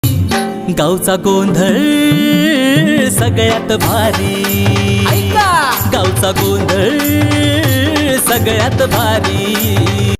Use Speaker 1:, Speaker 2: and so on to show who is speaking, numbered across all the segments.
Speaker 1: गावचा गोंधळ सगळ्यात भारी, गावचा गोंधळ सगळ्यात भारी।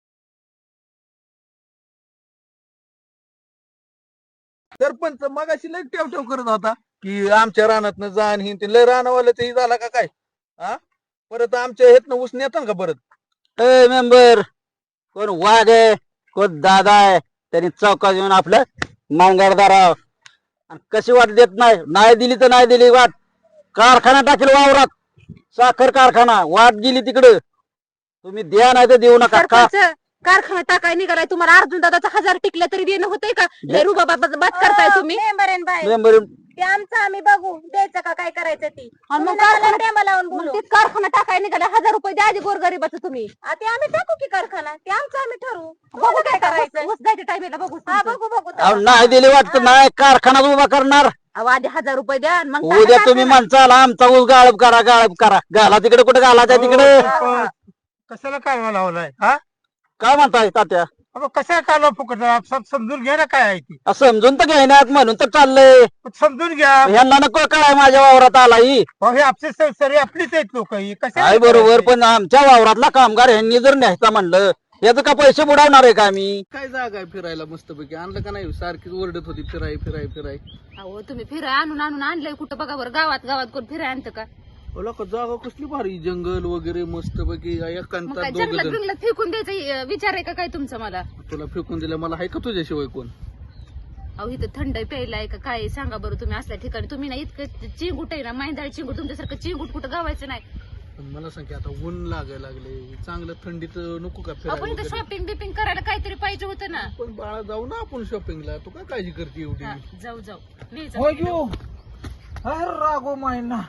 Speaker 2: सरपंच मगाशी लय ठेव करत होता की आमच्या रानातनं जाण ही लय रानावाले ते झाला का काय? हा परत आमच्या हेतनं ऊस नेतात का परत?
Speaker 3: ए मेंबर, कोण वाघ आहे कोण दादा आहे, त्यांनी चौकात येऊन आपलं मांगडदाराव कशी वाट देत नाही, नाही दिली तर नाही दिली वाट, कारखाना टाकेल वावरात, साखर कारखाना, वाट गेली तिकडं, तुम्ही द्या नाही तर देऊ नका का?
Speaker 4: कारखाना टाकाय निघालाय तुम्हाला, अर्जुन दादाचा 1000 टिकल्या तरी देणं होतंय का? बात करताय तुम्ही
Speaker 3: मेंबर
Speaker 4: ते आमचं आम्ही बघू, द्यायचं का काय करायचं ती, मग कारखाना टाकाय निघाला 1000 रुपये द्या आधी गोरगरिबाचं तुम्ही, ते आम्ही टाकू की कारखाना, ते आमचं आम्ही ठरवू, बघू काय करायचं, द्यायच्या टायमेला बघू, बघू
Speaker 3: नाही दिली वाटत नाही कारखाना उभा करणार,
Speaker 4: आधी 1000 रुपये द्या, मग
Speaker 3: उद्या तुम्ही माणसाला आमचा ऊस गाळप करा घाला तिकडे, कुठे घालायचा तिकडे,
Speaker 2: कशाला काय लावलाय? हा
Speaker 3: काय म्हणताय तात्या?
Speaker 2: कशाला कालवा फुकट समजून घ्या ना काय आहे ती,
Speaker 3: समजून तर घेण्यात म्हणून तर चाललंय,
Speaker 2: समजून घ्या।
Speaker 3: यांना नको काय माझ्या वावरात आलाही,
Speaker 2: हे आपले सरी आपलीच आहेत लोक,
Speaker 3: काय बरोबर, पण आमच्या वावरातला कामगार यांनी जर न्यायचा म्हणलं याचं का पैसे बुडवणार आहे का आम्ही?
Speaker 2: काय जागा आहे फिरायला मस्तपैकी, आणलं का नाही? सारखीच ओरडत होती फिराय फिराय फिराय,
Speaker 4: अहो तुम्ही फिराय आणून आणलंय कुठं बघा बरं, गावात कोण फिराय आणतं का?
Speaker 2: का जागा कसली भारी, जंगल वगैरे मस्तपैकी एकांतात दोघं
Speaker 4: जंगलात
Speaker 2: जण.
Speaker 4: बिंगलात फेकून द्यायचा विचार आहे का काय तुमचा मला?
Speaker 2: तुला फेकून दिलं, मला आहे का तुझ्याशिवाय कोण?
Speaker 4: अहो इथं थंड प्यायला आहे का काय सांगा बरं तुम्ही असल्या ठिकाणी, तुम्ही ना इतकं चिंगूट आहे ना, मैंदाळ चिंगूट, तुमच्यासारखं चिंगूट कुठं गावायचं नाही।
Speaker 2: पण मला सांग की आता ऊन लागायला लागले, चांगलं थंडीत नको का
Speaker 4: आपण
Speaker 2: फिरायला
Speaker 4: इथं
Speaker 2: वगैरे?
Speaker 4: शॉपिंग बिपिंग करायला काहीतरी पाहिजे होतं ना।
Speaker 2: पण बाळा जाऊ ना आपण शॉपिंगला, तू काय काळजी करते एवढी?
Speaker 4: हा, जाऊ
Speaker 2: हो अरे रागो मायना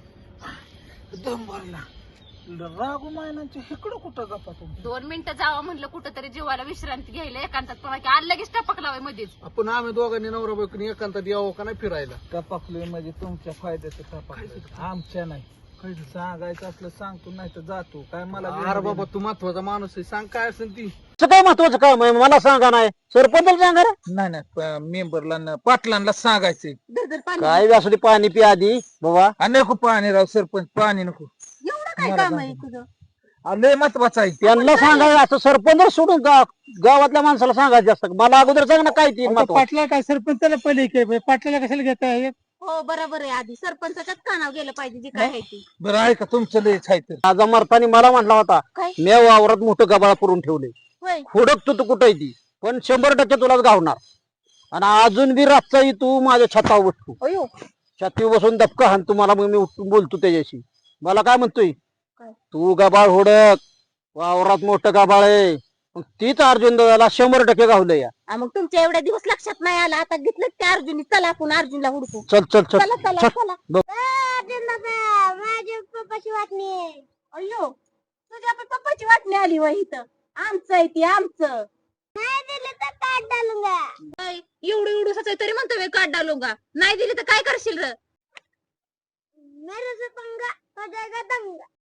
Speaker 2: दम भरला, रागो मायनाच्या इकडं कुठं गप्पा तुम्ही?
Speaker 4: 2 मिनिटं जावं म्हणलं कुठं तरी जीवाला विश्रांती घ्यायला एकांतात, पण आज लगेच टपकलावय मध्येच।
Speaker 2: आपण आम्ही दोघांनी नवरा बायकोनी एकांतात यावं का नाही फिरायला? टपाकलोय म्हणजे तुमच्या फायद्याचं टपाकलोय, आमच्या नाही। सांगायचं असलं सांगतो, नाही तर जातो, काय मला? अरे बाबा तू महत्वाचा माणूस आहे, सांग काय असेल ती।
Speaker 3: काय महत्वाचं काम आहे मला सांगा, नाही सरपंच सांगा रे,
Speaker 2: नाही मेंबरला पाटलांना सांगायचंय,
Speaker 3: काय असू दे, पाणी पिया आधी बाबा,
Speaker 2: नको पाणी राव सरपंच, पाणी नको,
Speaker 4: एवढं काय काम आहे तुझं?
Speaker 2: लय महत्वाचं आहे।
Speaker 3: त्यांना सांगायचं असं, सरपंच सोडून गावातल्या माणसाला सांगायचं असतं, मला अगोदर सांग ना काय ती महत्वाचं.
Speaker 2: पाटला काय सरपंचाला पहिले पाटलाला कशाला घेताय?
Speaker 4: हो बरोबर आहे, आधी सरपंचाच्याच कानावर गेलं पाहिजे जी काय आहे ती।
Speaker 2: बरं आहे का तुमचं लय आहे तर?
Speaker 3: माझा मरतानी मला म्हटला होता,
Speaker 4: काय?
Speaker 3: मी वावरात मोठं गबाळ करून ठेवले,
Speaker 4: होय
Speaker 3: हुडकतो तू कुठे ती, पण 100% तुलाच गावणार, आणि अजून बी रातचाही तू माझ्या छतावर बसतो,
Speaker 4: अयो
Speaker 3: छातीवर बसून दबका हाण तुम्हाला, मग मी उठून बोलतो त्याच्याशी, मला काय म्हणतोय,
Speaker 4: काय?
Speaker 3: तू गबाळ हुडक, वावरात मोठं गबाळ आहे, मग तीच अर्जुन दादाला 100% गावलं या।
Speaker 4: मग तुमच्या एवढ्या दिवस लक्षात नाही आला, आता घेतलं त्या अर्जुनी, चला आपण अर्जुनला हुडकू,
Speaker 3: चल चल चल
Speaker 4: चला चला
Speaker 3: चल.
Speaker 4: चला।
Speaker 3: बघ.
Speaker 4: अर्जुन दादा, माझ्या पप्पाची वाटणी आहे। अयो तुझ्या पण पप्पाची वाटणी आली वय इथं, आमचं आहे ती, आमचं नाही दिलं तर काट डालूंगा, एवढं एवढं तरी म्हणतो वे काट डालूंगा, नाही दिली तर काय करशील र? मेरे से पंगा हो जाएगा दंगा।